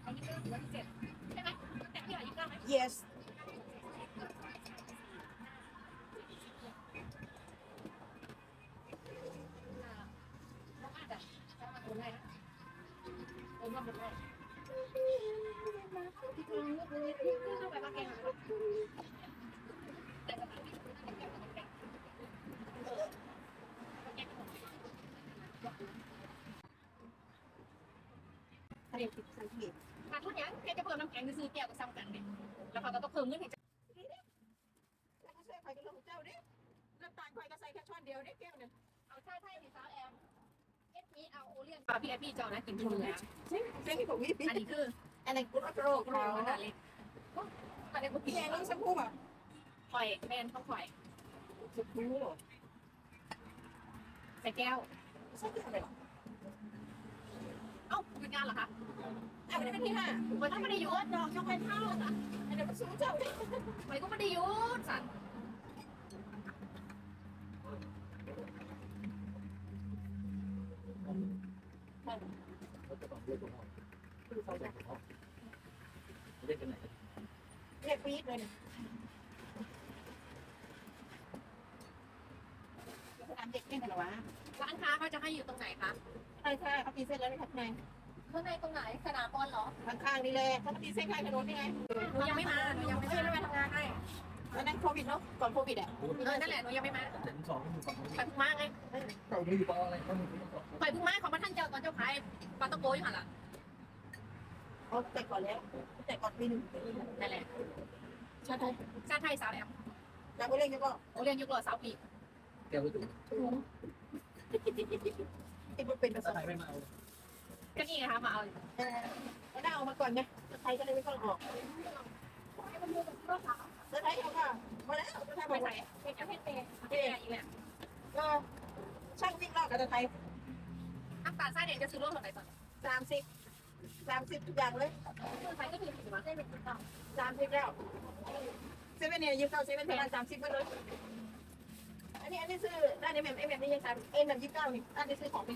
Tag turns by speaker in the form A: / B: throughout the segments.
A: เขา29 หรือ27ใช่ไหมแต่พี่29ไหม
B: yes
A: น้องอาจจะโอนได้นะโอนมาหมดเลยที่กลางลูกนิดเข้าไปมาแกงแต่สถานที่คุณน่าจะแกงมันแกง
B: ทะเลติดสังเกต
A: ขาดทุนยังแค่จะเพิ่มน้ำแข็งซื้อแก้วก็ซ้ำกันเนี่ยแล้วเขาก็ต้องเพิ่มเงินให้
B: แล้วก็ช่วยใครกันลงเจ้าดิน้ำตาลใครก็ใส่แค่ช้อนเดียวได้แก้วเนี่ย
A: เอาใช่ดิสาวแอมเอสพีเอาโอเลี้ยงพี่เจ้านะกินทุนเลย
B: เส้นที่ผมมี
A: อันนี้คือ
B: อันนี้กุหลาบโรค
A: โรคขนาดเล็กอันนี้ผมกิน
B: แกงน้ำชมพูอ่ะ
A: ข่อยแมนต้องข่อย
B: ชมพู
A: ใส่แก้ว
B: ใส่ที่อะไรหรอ
A: เอ้าหยุดงานเหรอคะ
B: อ่ะไม่ได้เป็นที่ห้า
A: มันต้องไม่ได้หยุดดอกยกไปเท่าอ่ะ
B: อันนี้มันสูงเจ้าดิ
A: มันก็ไม่ได้หยุดสัตว์
C: เราจะต้องเรียกตัวห้องคือเขาเรียกตัวห้องเรียกกันไหน
B: เรียกปี๊ดเลยสนามเด็กเล่นกันหรอวะ
A: ร้านค้าเขาจะให้อยู่ตรงไหนคะ
B: ใช่ใช่เขาตีเส้นแล้วไม่ทักไง
A: ข้างในตรงไหนสนามบอลเหรอ
B: ข้างๆนี่เลยเขาตีเส้นข้างถนนนี่ไง
A: หนูยังไม่มาหนูยังไม่ได้ไปทำงานให้
B: แล้วนั่นโควิดเนาะก่อนโควิดอ่ะ
A: นั่นแหละหนูยังไม่มา
C: เจ็ดสองอยู่ฝั่งนู้น
A: ไปพุ่งมาไง
C: เราไม่อยู่ปออะไรเขาไม่รู้
A: ไปพุ่งมาของพระท่านเจ้าตอนเจ้าขายปลาตะโกอยู่หันล่ะ
B: เขาแต่ก่อนแล้วแต่ก่อนปีหนึ่ง
A: นั่นแหละ
B: ชาติไทย
A: ชาติไทยสาวแอม
B: จากไปเล่นก็
A: โอเลี้ยงยุคหล่อสาวปี
C: แก้วไปถูก
B: ติดมันเป็นประส
C: ถ้า
B: บ
C: ใครไม่มาเอา
A: ก็นี่ไงคะมาเอา
B: แล้วได้เอามาก่อนไงไทยก็เลยไม่ต้องออก
A: ให้มันดูแบบรอบสาว
B: แล้วไทยเอาค่ะมาแล้วไทย
A: ไป
B: มา
A: ใส่
B: ใส่
A: เป็นแค่เปย์อีกแล้ว
B: ก็ช่างวิ่งรอบกับไทย
A: น้ำตาลทรายเด็กจะซื้อรถแบบไหนก่อน
B: 30ทุกอย่างเลย
A: คือไทยก็มีถือว่าได้เป็นต่อ
B: 30แล้วเซเว่นเนี่ยยืมเข้าเซเว่นประมาณ30มาเลยอันนี้ซื้อได้ในแบบนี่ยัง3แบบ29นี่อันนี้ซื้อของนี่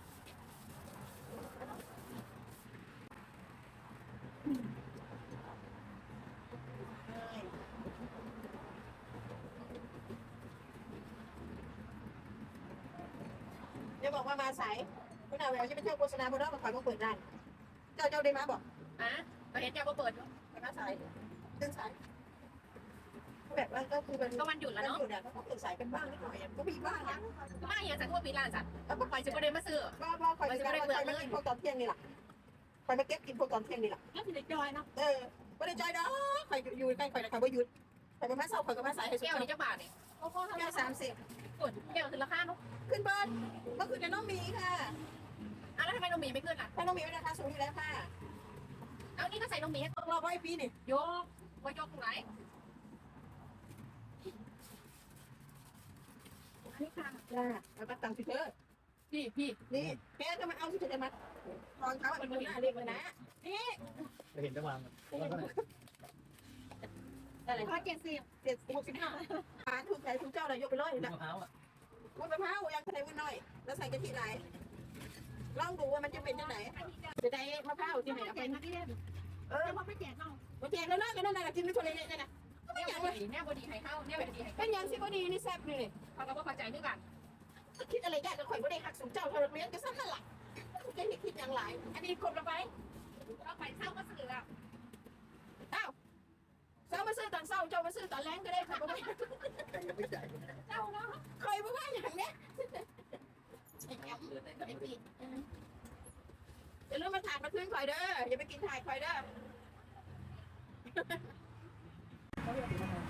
B: เดี๋ยวบอกว่ามาสายคุณอาแววจะไปเที่ยวโฆษณาบนรถมาขายมาเปิดร้านเจ้าได้มาบอก
A: อ่ะเราเห็นเจ้าก็เปิดอยู่
B: ไปมาสายตื่นสายแบบว่าก็คือมัน
A: ก็วันหยุดแล้วเนาะ
B: อยู่เนี่ยก็ตื่นสายกันบ้างนิดหน่อยก็มีบ้างนะ
A: ก็มาอย่างสัตว์ทั่วปีลานสัตว์
B: แล้วก็
A: ปล่อยจะประเด็นมาซื้อ
B: ก็คอยจะไปกินพวกตอนเที่ยงนี่แหละคอยมาเก็บกินพวกตอนเที่ยงนี่แหละ
A: แล้วสิเด็กจอยเนาะ
B: ไม่ได้จอยดอกคอยอยู่ใกล้คอยนะคอยว่าหยุดคอยมาเศร้าคอยก็มาสายให้สุด
A: แก้วนี้จะบาทเนี่ยโอ้โห
B: แก้ว30
A: ส่วนแก้วคือราคาเนาะ
B: ขึ้นเบิร์นเมื่อคืนน้องมีค่ะ
A: อ่ะแล้วทำไมนมหมีไม่ขึ้นอ่ะ
B: ถ้าน้องมีราคาสูงอยู่แล้วค่ะ
A: เอานี่ก็ใส่นมหมีให้
B: ต้องรอไว้ปีนี่
A: ยกว่ายกตรงไหนอันนี้ค่ะ
B: จ้าแล้วก็ตังค์สิเธอ
A: พี่
B: นี่แกก็มาเอาสิเธอจะมารองเท้าเป็นคนหน้าเรียกเลยนะนี่
C: จะเห็นจะวางแล้วก็ไหน
B: อะไร
A: ข้อ70
B: 65หาถูกใจถูกเจ้าเลยยกไปเลย
C: มะ
B: นะ
C: พร้าวอ่ะ
B: วุ้นมะพร้าวยังใส่วุ้นน้อย แล้วใส่กะทิไหนลองดูว่ามันจะเป็นยังไงจะได้มะพร้าวที่ไหนเอาไป
A: มาที่เล่นแล้วพอไม่แจกเอา
B: มาแจกแล้วนะก็นั่นแหละกินไม่ทนเลยเนี่ยนะไม่
A: เนี่ย
B: อย่าง
A: บ
B: เลย
A: ดีเนี่ยบดีให้เข้าเนี่ยบดีให้
B: เป็นอย่างสิบดีนี่แซ่บเลย
A: เขาก็เข้าใจด้วยกัน
B: คิดอะไรยากจะข่อยบ่ได้หักสูงเจ้าเท่าเลี้ยงก็สั้นนั่นแหละจะคิดอย่างไรอันนี้คนละไป
A: เราไปเศร้าก็สื่ออ่ะ
B: อ้าวเช้ามาซื้อตอนเช้าเจ้ามาซื้อตอนแรงก็ได้ค่ะบ่ได้
C: แต่ยังไม่จ่าย
A: เจ้าเนาะ
B: ข่อยบ่ว่าอย่างเนี้ย
A: ไอ้ปี
B: อย่าลืมมาถ่ายมาขึ้นข่อยเด้ออย่าไปกินถ่ายข่อยเด้อ
C: เขาเรียกมะพร้าว